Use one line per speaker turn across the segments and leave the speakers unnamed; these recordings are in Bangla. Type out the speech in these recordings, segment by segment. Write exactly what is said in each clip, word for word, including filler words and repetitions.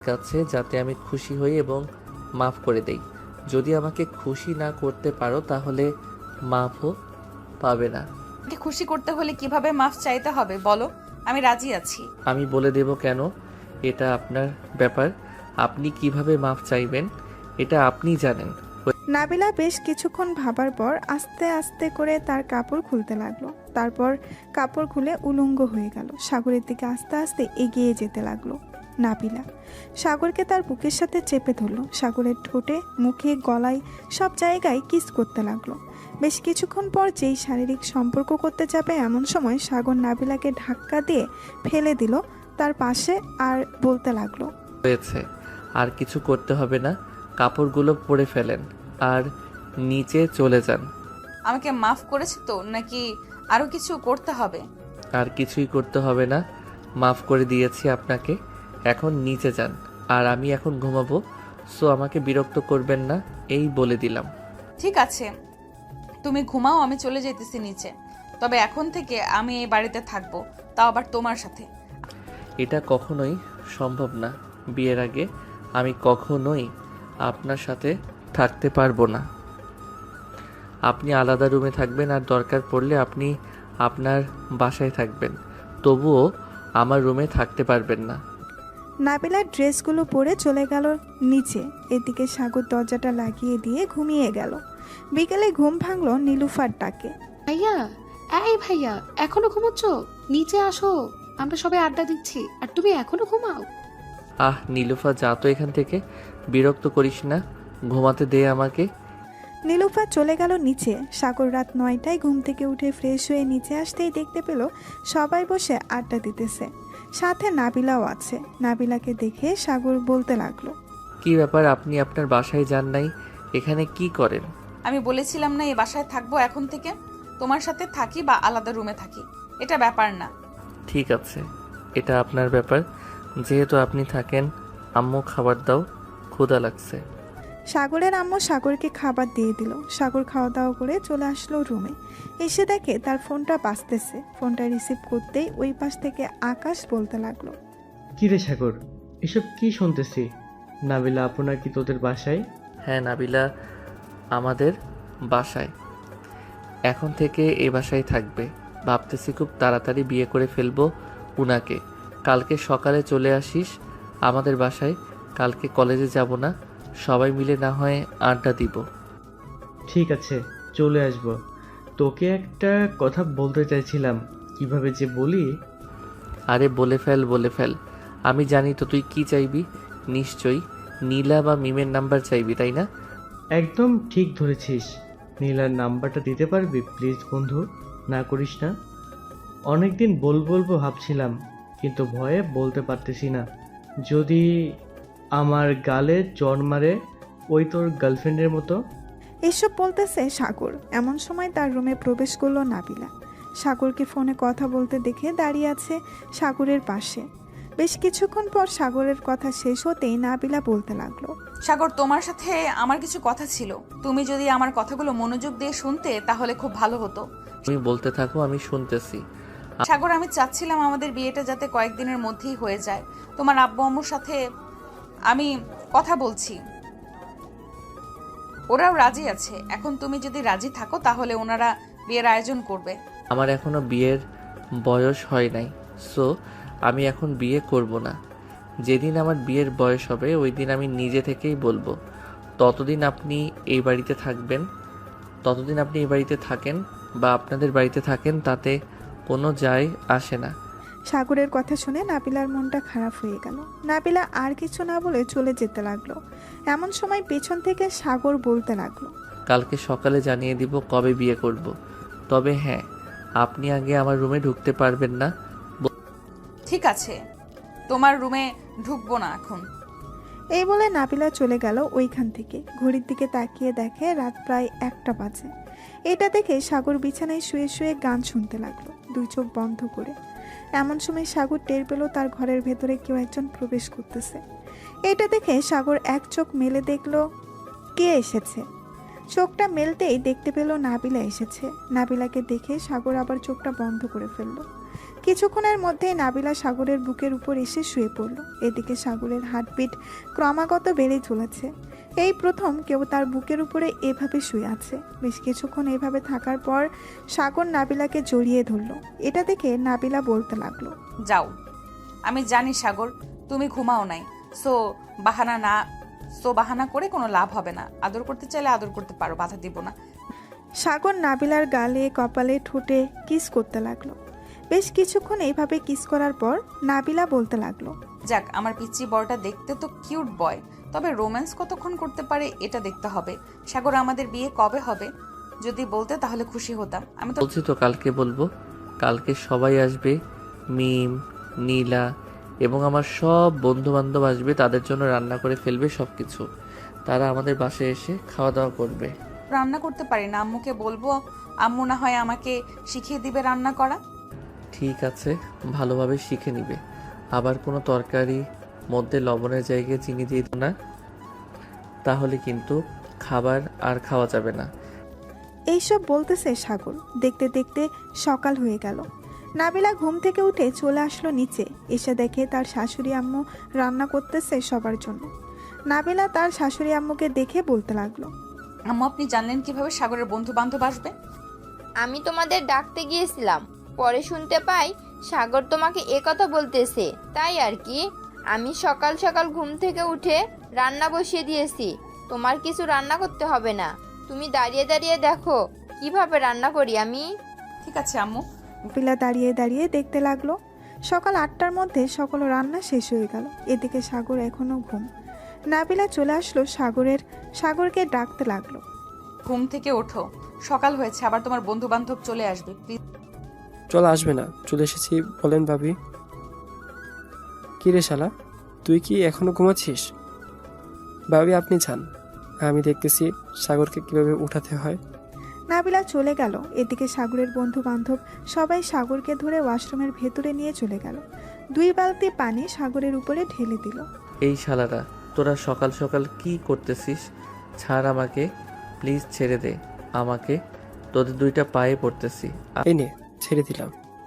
কাছে যাতে আমি খুশি হই এবং মাফ করে দেই। যদি আমাকে খুশি না করতে পারো তাহলে মাফও পাবে না।
আমাকে খুশি করতে হলে কিভাবে মাফ চাইতে হবে বলো, আমি রাজি আছি।
আমি বলে দেব কেন, এটা আপনার ব্যাপার। আপনি কিভাবে মাফ চাইবেন এটা আপনি জানেন।
নাবিলা বেশ কিছুক্ষণ ভাবার পর আস্তে আস্তে করে তার কাপড় খুলতে লাগলো। তারপর কাপড় খুলে উলঙ্গ হয়ে গেল। সাগরের দিকে আস্তে আস্তে এগিয়ে যেতে লাগলো নাবিলা। সাগরকে তার বুকের সাথে চেপে ধরলো। সাগরের ঠোঁটে, মুখে, গলায় সব জায়গায় কিস করতে লাগলো। বেশ কিছুক্ষণ পর যেই শারীরিক সম্পর্ক করতে যাবে এমন সময় সাগর নাবিলাকে ধাক্কা দিয়ে ফেলে দিল তার পাশে আর বলতে লাগলো,
হয়েছে, আর কিছু করতে হবে না। কাপড়গুলো পরে ফেলেন আর নিচে চলে যান।
আমাকে মাফ করেছে তো, নাকি আরো কিছু করতে হবে?
আর কিছুই করতে হবে না, মাফ করে দিয়েছি আপনাকে। এখন নিচে যান, আর আমি এখন ঘুমাবো। সো আমাকে বিরক্ত করবেন না, এই বলে দিলাম।
ঠিক আছে, তুমি ঘুমাও, আমি চলে যেতেছি নিচে। তবে এখন থেকে আমি এই বাড়িতে থাকবো, তাও আবার তোমার সাথে।
এটা কখনোই সম্ভব না। বিয়ের আগে আমি কখনোই আপনার সাথে থাকতে পারবো না। আপনি আলাদা রুমে থাকবেন, আর দরকার পড়লে আপনি আপনার বাসায় থাকবেন, তবুও আমার রুমে থাকতে পারবেন না।
নাবিলার ড্রেসগুলো পরে চলে গেল নিচে। এদিকে সাগর দরজাটা লাগিয়ে দিয়ে ঘুমিয়ে গেল। বিকেলে ঘুম ভাঙলো নীলুফার ডাকে।
ভাইয়া, এই ভাইয়া, এখনো ঘুমোচ্ছ? নিচে আসো, আমরা সবাই আড্ডা দিচ্ছি আর তুমি এখনো ঘুমাও?
আহ নীলুফা, যা তো এখান থেকে, বিরক্ত করিস না, ঘুমাতে দে আমাকে।
নীলুফা চলে গেল নিচে। সাগর রাত নয়টায় ঘুম থেকে উঠে ফ্রেশ হয়ে নিচে আসতেই দেখতে পেল সবাই বসে আড্ডা দিতেছে, সাথে নাবিলাও আছে। নাবিলাকে দেখে সাগর বলতে লাগলো,
কি ব্যাপার, আপনি আপনার বাসায় যান নাই, এখানে কি করেন?
আমি বলেছিলাম না এই বাসায় থাকবো এখন থেকে। তোমার সাথে থাকি বা আলাদা রুমে থাকি, এটা ব্যাপার না।
ঠিক আছে, এটা আপনার ব্যাপার। যেহেতু আপনি থাকেন, আম্মু খাবার দাও, ক্ষুধা লাগছে।
সাগরের আম্মু সাগরকে খাবার দিয়ে দিল। সাগর খাওয়া দাওয়া করে চলে আসলো রুমে। এসে দেখে তার ফোনটা বাজতেছে। ফোনটা রিসিভ করতেই ওই পাশ থেকে আকাশ বলতে লাগলো,
কি রে সাগর, এসব কি শুনতেছি? নাবিলা আপনার কি তোদের বাসায়?
হ্যাঁ নাবিলা আমাদের বাসায়, এখন থেকে এ বাসায় থাকবে। ভাবতেছি খুব তাড়াতাড়ি বিয়ে করে ফেলবো উনাকে। কালকে সকালে চলে আসিস আমাদের বাসায়। কালকে কলেজে যাব না, সবাই মিলে না হয় আড্ডা দিব।
ঠিক আছে, চলে আসব। তোকে একটা কথা বলতে চাইছিলাম, কিভাবে যে বলি।
আরে বলে ফেল বলে ফেল, আমি জানি তো তুই কি চাইবি। নিশ্চয়ই নীলা বা মিমের নাম্বার চাইবি, তাই না?
একদম ঠিক ধরেছিস। নীলার নাম্বারটা দিতে পারবি প্লিজ বন্ধু? না করিস না। অনেকদিন বল বলবো ভাবছিলাম, কিন্তু ভয়ে বলতে পারতেছি না। যদি আমার গালে জ্বর মারে, ওই তোর গার্লফ্রেন্ডের মতো।
এসব বলতেছে সাগর। এমন সময় তার রুমে প্রবেশ করলো নাবিলা। সাগরকে ফোনে কথা বলতে দেখে দাঁড়িয়ে আছে সাগরের পাশে। বেশ কিছুক্ষণ পর সাগরের কথা শেষ হতেই নাবিলা বলতে লাগলো,
সাগর, তোমার সাথে আমার কিছু কথা ছিল। তুমি যদি আমার কথাগুলো মনোযোগ দিয়ে শুনতে তাহলে খুব ভালো হতো।
তুমি বলতে থাকো, আমি শুনতেছি।
সাগর, আমি চাচ্ছিলাম আমাদের বিয়েটা যাতে কয়েকদিনের মধ্যেই হয়ে যায়। তোমার আব্বু আম্মুর সাথে আমি কথা বলছি, ওরাও রাজি আছে। এখন তুমি যদি রাজি থাকো তাহলে ওনারা বিয়ের আয়োজন করবে।
আমার এখনো বিয়ের বয়স হয় নাই, সো আমি এখন বিয়ে করব না। যেদিন আমার বিয়ের বয়স হবে ওই দিন আমি নিজে থেকেই বলবো। ততদিন আপনি এই বাড়িতে থাকবেন, ততদিন আপনি এই বাড়িতে থাকেন বা আপনাদের বাড়িতে থাকেন, তাতে কোনো যায় আসে না।
সাগরের কথা শুনে নাবিলার মনটা খারাপ হয়ে গেল। নাবিলা আর কিছু না বলে চলে যেতে লাগলো। এমন সময় পেছন থেকে সাগর বলতে লাগলো,
কালকে সকালে জানিয়ে দিব কবে বিয়ে করব। তবে হ্যাঁ, আপনি আগে আমার রুমে ঢুকতে পারবেন না।
ঠিক আছে, তোমার রুমে ঢুকবো না এখন।
এই বলে নাবিলা চলে গেল ওইখান থেকে। ঘড়ির দিকে তাকিয়ে দেখে রাত প্রায় একটা বাজে। এটা দেখে সাগর বিছানায় শুয়ে শুয়ে গান শুনতে লাগলো, দুই চোখ বন্ধ করে। এমন সময় সাগর টের পেল তার ঘরের ভেতরে কেউ একজন প্রবেশ করতেছে। এটা দেখে সাগর এক চোখ মেলে দেখলো কে এসেছে। চোখটা মেলতেই দেখতে পেল নাবিলা এসেছে। নাবিলাকে দেখে সাগর আবার চোখটা বন্ধ করে ফেলল। কিছুক্ষণের মধ্যেই নাবিলা সাগরের বুকের উপর এসে শুয়ে পড়ল। এদিকে সাগরের হার্টবিট ক্রমাগত বেড়ে চলেছে। এই প্রথম কেউ তার বুকের উপরে এভাবে শুয়ে আছে। বেশ কিছুক্ষণ এভাবে থাকার পর সাগর নাবিলাকে জড়িয়ে ধরল। এটা দেখে নাবিলা বলতে লাগলো,
যাও, আমি জানি সাগর তুমি ঘুমাও নাই, সো বাহানা না সো বাহানা করে কোনো লাভ হবে না। আদর করতে চাইলে আদর করতে পারো, বাধা দিব না।
সাগর নাবিলার গালে কপালে ঠোঁটে কিস করতে লাগলো। বেশ কিছুক্ষণ এইভাবে কিস করার পর নাবিলা বলতে লাগলো,
যাক, আমার পিচ্চি বড়টা দেখতে তো কিউট বয়, তবে রোম্যান্স কতক্ষণ করতে পারে এটা দেখতে হবে। সাগর, আমাদের বিয়ে কবে হবে? যদি বলতে তাহলে খুশি হতাম। আমি তো
বলছি তো কালকে বলবো। কালকে সবাই আসবে, মিম, নীলা এবং আমার সব বন্ধু বান্ধব আসবে। তাদের জন্য রান্না করে ফেলবে সব কিছু। তারা আমাদের বাসায় এসে খাওয়া দাওয়া করবে।
রান্না করতে পারি না, আম্মুকে বলবো, আম্মু না হয় আমাকে শিখিয়ে দিবে রান্না করা।
ঠিক আছে, ভালোভাবে শিখে নিবে। আবার কোনো তরকারি মধ্যে লবণের জায়গায় চিনি দিয়ে দিও না, তাহলে কিন্তু খাবার আর খাওয়া যাবে না।
এইসব বলতেছে সাগর। দেখতে দেখতে সকাল হয়ে গেল। নাবিলা ঘুম থেকে উঠে চলে আসলো নিচে। এসে দেখে তার শাশুড়ি আম্মু রান্না করতেছে সবার জন্য। নাবিলা তার শাশুড়ি আম্মুকে দেখে বলতে লাগলো,
আম্মু, আপনি জানলেন কিভাবে সাগরের বন্ধু বান্ধব আসবে?
আমি তোমাদের ডাকতে গিয়েছিলাম, পরে শুনতে পাই সাগর তোমাকে একথা বলতেছে, তাই আর কি। আমি সকাল সকাল ঘুম থেকে উঠে রান্না বসিয়ে দিয়েছি। তোমার কিছু রান্না করতে হবে না, তুমি দাঁড়িয়ে দাঁড়িয়ে দেখো কিভাবে রান্না করি আমি।
ঠিক আছে আম্মু।
নাবিলা দাঁড়িয়ে দাঁড়িয়ে দেখতে লাগলো। সকাল আটটার মধ্যে সকল রান্না শেষ হয়ে গেল। এদিকে সাগর এখনো ঘুম। নাবিলা চলে আসলো সাগরের সাগরকে ডাকতে লাগলো,
ঘুম থেকে ওঠো, সকাল হয়েছে, আবার তোমার বন্ধু বান্ধব চলে আসবে, প্লিজ।
চল, আসবে না, চলে এসেছি বলেন ভাবি। কি রে শালা, তুই কি এখনো ঘুমাচ্ছিস? ভাবি আপনি যান, আমি দেখতেছি সাগরকে কিভাবে উঠাতে হয়।
নাবিলা চলে গেল। এদিকে সাগরের বন্ধু বান্ধব সবাই সাগরকে ধরে ওয়াশরুমের ভেতরে নিয়ে চলে গেল। দুই বালতি পানি সাগরের উপরে ঢেলে দিল।
এই শালারা, তোরা সকাল সকাল কি করতেছিস? ছাড় আমাকে, প্লিজ ছেড়ে দে আমাকে, তোদের দুইটা পায়ে পড়তেছি। আ-
এই নে, ছেড়ে দিলাম।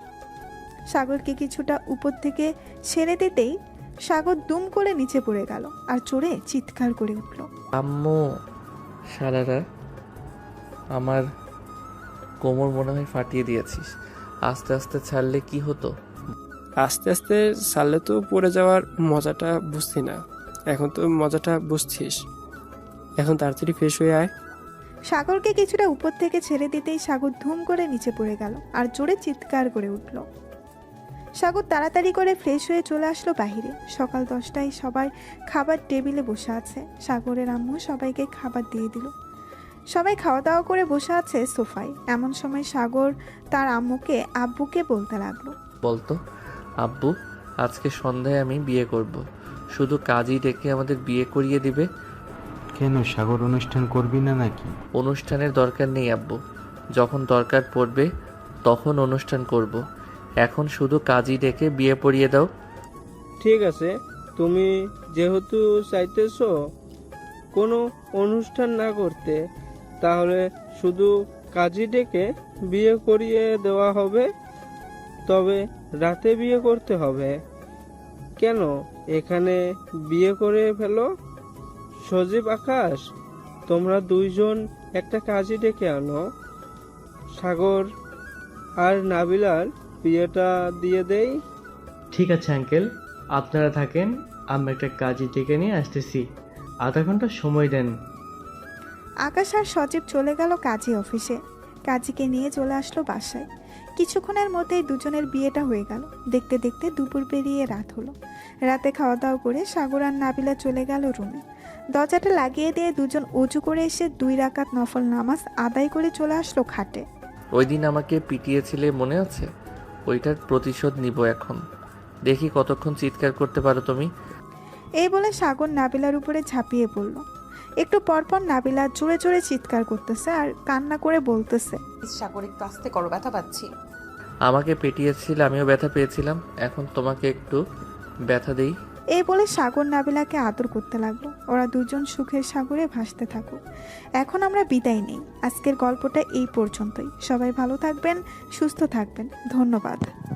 সাগরকে কিছুটা উপর থেকে ছেড়ে দিতেই সাগর দুম করে নিচে পড়ে গেল আর চড়ে চিৎকার করে উঠল।
আম্মু, শালারা, আমার কোমর মনে হয় ফাটিয়ে দিয়েছিস। আস্তে আস্তে ছাড়লে কি হতো?
আস্তে আস্তে সারলে তো পড়ে যাওয়ার মজাটা বুঝছি না, এখন তো মজাটা বুঝছিস। এখন তাড়াতাড়ি ফ্রেশ হয়ে আয়।
সাগরকে কিছুটা উপর থেকে ছেড়ে দিতেই সাগর ধুম করে নিচে পড়ে গেল আর জোরে চিৎকার করে উঠল। সাগর তাড়াতাড়ি করে ফ্রেশ হয়ে চলে আসলো বাহিরে। সকাল দশটায় সবাই খাবার টেবিলে বসে আছে। সাগরের আম্মু সবাইকে খাবার দিয়ে দিল। সবাই খাওয়া দাওয়া করে বসে আছে সোফায়। এমন সময় সাগর তার আম্মুকে আব্বুকে বলতে লাগলো,
বলতো, আব্বু, আজকে সন্ধ্যায় আমি বিয়ে করব। শুধু কাজই ডেকে আমাদের বিয়ে করিয়ে দিবে।
কেন, সাগর অনুষ্ঠান করবি না নাকি?
অনুষ্ঠানের দরকার নেই আব্বু, যখন দরকার পড়বে তখন অনুষ্ঠান করব। এখন শুধু কাজই ডেকে বিয়ে পড়িয়ে দাও।
ঠিক আছে, তুমি যেহেতু চাইতেছো কোনো অনুষ্ঠান না করতে, তাহলে শুধু কাজী ডেকে বিয়ে করিয়ে দেওয়া হবে। তবে রাতে বিয়ে করতে হবে। কেন, এখানে বিয়ে করে ফেলো। সজীব, আকাশ, তোমরা দুইজন একটা কাজী ডেকে আনো। সাগর আর নাবিলার বিয়েটা দিয়ে দেই।
ঠিক আছে আঙ্কেল, আপনারা থাকেন, আমি একটা কাজে ডেকে নিয়ে আসতেছি। আধা ঘন্টা সময় দেন।
আকাশ আর সজীব চলে গেল কাজী অফিসে। কাজীকে নিয়ে চলে আসলো বাসায়। কিছুক্ষণের মধ্যেই দুজনের বিয়েটা হয়ে গেল। দেখতে দেখতে দুপুর পেরিয়ে রাত হলো। রাতে খাওয়া দাওয়া করে সাগর আর নাবিলা চলে গেল রুমে। দরজাটা লাগিয়ে দিয়ে দুজন উঁচু করে এসে দুই রাকাত নফল নামাজ আদায় করে চলে আসলো খাটে।
ওই দিন আমাকে পিটিয়েছিলে মনে আছে? ওইটার প্রতিশোধ নিব এখন। দেখি কতক্ষণ চিৎকার করতে পারো তুমি।
এই বলে সাগর নাবিলার উপরে ঝাঁপিয়ে পড়ল। একটু পরপর নাবিলা জোরে জোরে চিৎকার করতেছে আর কান্না করে বলতেছে,
সাগর, একটু আস্তে করো, ব্যথা পাচ্ছি।
আমাকে পেটিয়েছিলে, আমিও ব্যথা পেয়েছিলাম, এখন তোমাকে একটু ব্যথা দেই।
এই বলে সাগর নাবিলাকে আদর করতে লাগলো। ওরা দুজন সুখের সাগরে ভাসতে থাকুক। এখন আমরা বিদায় নেই। আজকের গল্পটা এই পর্যন্তই। সবাই ভালো থাকবেন, সুস্থ থাকবেন। ধন্যবাদ।